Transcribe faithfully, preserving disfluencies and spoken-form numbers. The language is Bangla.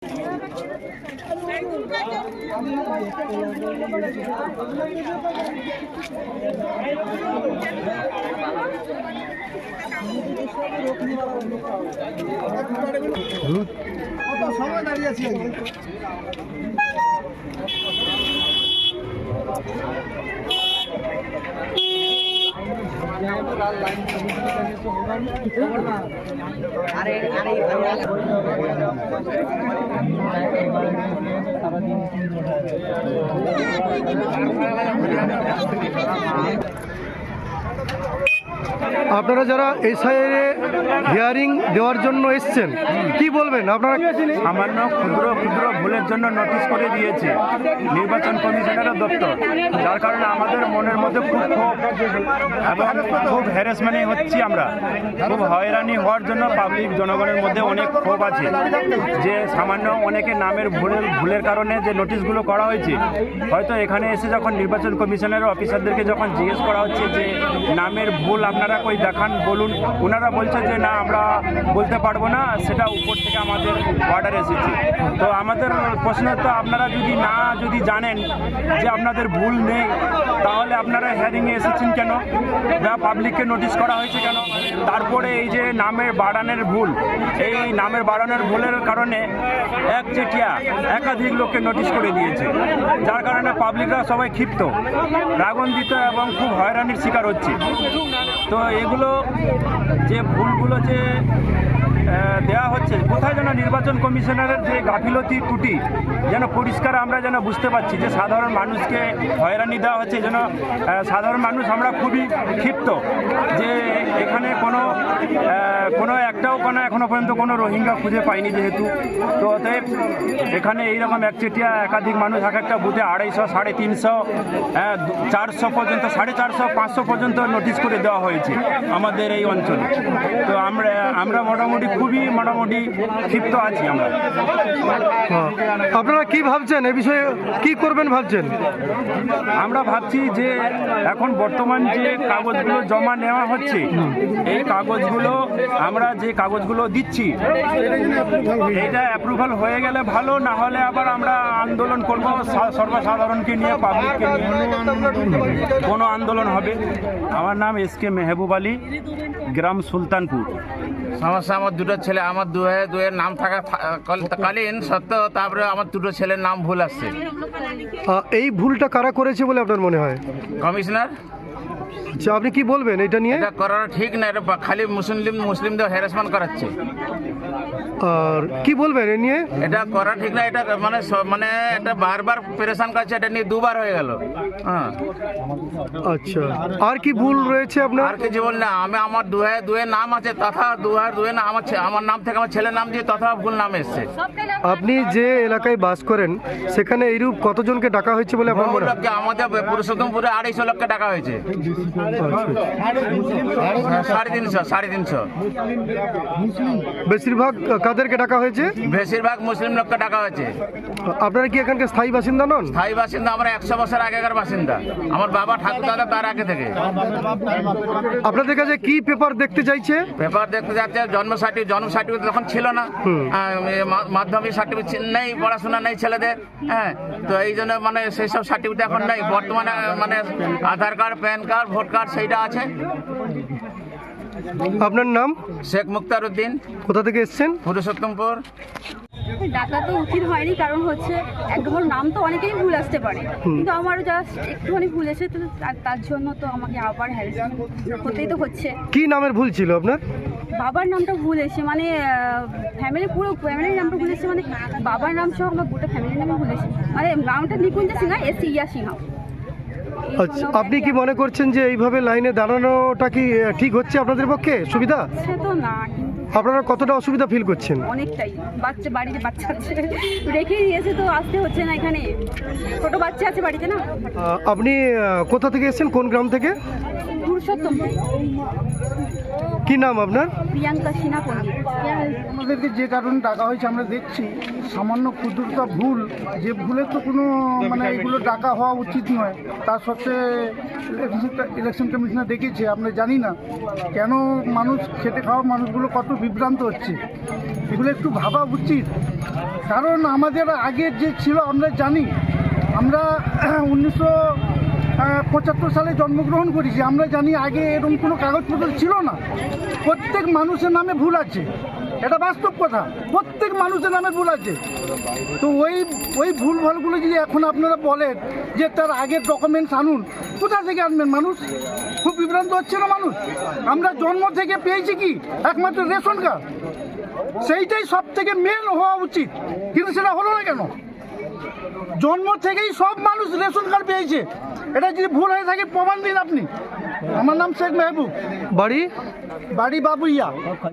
সময় দাঁড়িয়ে আছি আপনারা যারা এসআইআর হিয়ারিং দেওয়ার জন্য এসছেন কি বলবেন? আপনারা সামান্য ক্ষুদ্র ক্ষুদ্র ভুলের জন্য নোটিশ করে দিয়েছে নির্বাচন কমিশনারের দপ্তর, যার কারণে আমাদের মনের মধ্যে খুব ক্ষোভ এবং খুব হ্যারাসমেন্ট হচ্ছি। আমরা খুব হয়রানি হওয়ার জন্য পাবলিক জনগণের মধ্যে অনেক ক্ষোভ আছে যে সামান্য অনেকে নামের ভুলের ভুলের কারণে যে নোটিশগুলো করা হয়েছে, হয়তো এখানে এসে যখন নির্বাচন কমিশনের অফিসারদেরকে যখন জিজ্ঞেস করা হচ্ছে যে নামের ভুল আপনারা কই দেখান বলুন, ওনারা বলছে যে না আমরা বলতে পারবো না, সেটা উপর থেকে আমাদের অর্ডার এসেছে। তো আমাদের প্রশ্ন তো আপনারা যদি না যদি জানেন যে আপনাদের ভুল নেই, তাহলে আপনারা হিয়ারিংয়ে এসেছেন কেন বা পাবলিককে নোটিশ করা হয়েছে কেন? তারপরে এই যে নামের বাড়ানোর ভুল, এই নামের বাড়ানোর ভুলের কারণে এক চেটিয়া একাধিক লোককে নোটিশ করে দিয়েছে, যার কারণে পাবলিকরা সবাই ক্ষিপ্ত, রাগান্বিত এবং খুব হয়রানির শিকার হচ্ছে। তো এগুলো যে ভুলগুলো যে দেওয়া হচ্ছে, কোথায় যেন নির্বাচন কমিশনারের যে গাফিলতি ত্রুটি যেন পরিষ্কার আমরা যেন বুঝতে পারছি যে সাধারণ মানুষকে হয়রানি দেওয়া হচ্ছে, যেন সাধারণ মানুষ আমরা খুবই ক্ষিপ্ত যে এখানে কোনো কোনো একটাও কোনো এখনো পর্যন্ত কোনো রোহিঙ্গা খুঁজে পাইনি যেহেতু। তো অতএব এখানে এইরকম একচেটিয়া একাধিক মানুষ এক একটা বুথে আড়াইশো সাড়ে তিনশো চারশো পর্যন্ত সাড়ে চারশো পাঁচশো পর্যন্ত নোটিশ করে দেওয়া হয়েছে আমাদের এই অঞ্চলে। তো আমরা আমরা মোটামুটি খুবই মোটামুটি ক্ষিপ্ত আছি আমরা। আপনারা কি ভাবছেন এ বিষয়ে, কি করবেন ভাবছেন? আমরা ভাবছি যে এখন বর্তমান যে কাগজগুলো জমা নেওয়া হচ্ছে, এই কাগজগুলো আমরা যে কাগজগুলো দিচ্ছি এটা অ্যাপ্রুভাল হয়ে গেলে ভালো, না হলে আবার আমরা আন্দোলন করব সর্বসাধারণকে নিয়ে, পাবলিককে নিয়ে কোনো আন্দোলন হবে। আমার নাম এস কে মেহবুব আলী, গ্রাম সুলতানপুর। সমস্যা আমার দুটো ছেলে, আমার দুয়ে দুয়ের নাম থাকা কালীন সত্ত্বেও তারপরে আমার দুটো ছেলের নাম ভুল আসছে। এই ভুলটা কারা করেছে বলে আপনার মনে হয়? কমিশনার। আচ্ছা, আপনি কি বলবেন এটা নিয়ে? এটা করাটা ঠিক না, এটা খালি মুসলিম মুসলিমদের হ্যারাসমেন্ট করাচ্ছে। আর কি বলবেন এ নিয়ে? এটা করা ঠিক না, এটা মানে মানে এটা বারবার প্রেশান করছে, এটা নিয়ে দুবার হয়ে গেল। হ্যাঁ আচ্ছা, আর কি ভুল রয়েছে আপনার? আর কিছু বল না, আমি আমার দুয়ে দুয়ের নাম আছে তথা দুয়ার দুয়ে না আমার আমার নাম থেকে আমার ছেলের নাম দিয়ে তথা ভুল নাম এসছে। আপনি যে এলাকায় বাস করেন সেখানে এইরূপ কতজনকে ডাকা হয়েছে বলে আপনার মনে হয়? আমাদের পুরুষোত্তমপুরে আড়াইশো লোককে ডাকা হয়েছে। সাড়ে তিনশো সাড়ে তিনশো বেশিরভাগ কাদেরকে ডাকা হয়েছে? বেশিরভাগ মুসলিম লোককে ডাকা হয়েছে। আপনারা কি এখানকার স্থায়ী বাসিন্দা নন? স্থায়ী বাসিন্দা আমরা একশো বছর আগেকার বাসিন্দা, আমার বাবা ঠাকুরদাদা তার আগে থেকে। আপনাদের কাছে কি পেপার দেখতে চাইছে? পেপার দেখতে যাচ্ছে জন্ম সার্টিফিকেট, জন্ম সার্টিফিকেট তখন ছিল না, মাধ্যমিক সার্টিফিকেট নেই, পড়াশোনা নেই ছেলেদের। হ্যাঁ, তো এই জন্য মানে সেই সব সার্টিফিকেট এখন নেই। বর্তমানে মানে Aadhaar card, PAN card, vote card সেইটা আছে। আপনার নাম? শেখ মুক্তার উদ্দিন। কোথা থেকে এসছেন? পুরুষোত্তমপুর। ডাকা তো উচিত হয়নি, কারণ হচ্ছে একদম নাম তো অনেকেই ভুল আসতে পারে, কিন্তু আমারও জাস্ট একটুখানি ভুল এসে তো তার জন্য তো আমাকে আবার হ্যারাসমেন্ট হতেই তো হচ্ছে। কি নামের ভুল ছিল আপনার? বাবার নামটা ভুল এসে, মানে ফ্যামিলি পুরো ফ্যামিলির নামটা ভুল এসে, মানে বাবার নাম সহ আমার গোটা ফ্যামিলির নামে ভুল এসে, মানে নামটা নিকুঞ্জ সিনহা, এস ইয়া সিনহা। আচ্ছা, আপনি কি মনে করছেন যে এইভাবে লাইনে দাঁড়ানোটা কি ঠিক হচ্ছে আপনাদের পক্ষে সুবিধা? সে তো না, আপনারা কতটা অসুবিধা ফিল করছেন? অনেকটাই। বাচ্চা বাড়িতে বাচ্চা আছে, রেখে দিয়েছে তো আসতে হচ্ছে না, এখানে ছোট বাচ্চা আছে বাড়িতে না। আপনি কোথা থেকে এসেছেন, কোন গ্রাম থেকে? পুরুষোত্তমপুর। কি নাম আপনার? প্রিয়াঙ্কা সিনহা পণ্ডিত। আমাদেরকে যে কারণে ডাকা হয়েছে আমরা দেখছি সামান্য ক্ষুদ্রতা ভুল, যে ভুলের তো কোনো মানে এগুলো ডাকা হওয়া উচিত নয়। তার সত্ত্বে ইলেকশন কমিশনার ডেকেছে, আমরা জানি না কেন মানুষ খেটে খাওয়া মানুষগুলো কত বিভ্রান্ত হচ্ছে, এগুলো একটু ভাবা উচিত। কারণ আমাদের আগের যে ছিল আমরা জানি, আমরা উনিশশো পঁচাত্তর সালে জন্মগ্রহণ করেছি, আমরা জানি আগে এরকম কোনো কাগজপত্র ছিল না। প্রত্যেক মানুষের নামে ভুল আছে, এটা বাস্তব কথা, প্রত্যেক মানুষের নামে ভুল আছে। তো ওই ওই ভুল ভালগুলো যদি এখন আপনারা বলেন যে তার আগের ডকুমেন্টস আনুন, কোথা থেকে আনবেন? মানুষ খুব বিভ্রান্ত হচ্ছে না মানুষ? আমরা জন্ম থেকে পেয়েছি কি একমাত্র রেশন কার্ড, সেইটাই সব থেকে মেন হওয়া উচিত, কিন্তু সেটা হলো না কেন? জন্ম থেকেই সব মানুষ রেশন কার্ড পেয়েছে, এটা যদি ভুল হয়ে থাকে প্রমাণ দিন আপনি। আমার নাম শেখ মেহবুব, বাড়ি? বাড়ি বাবুইয়া।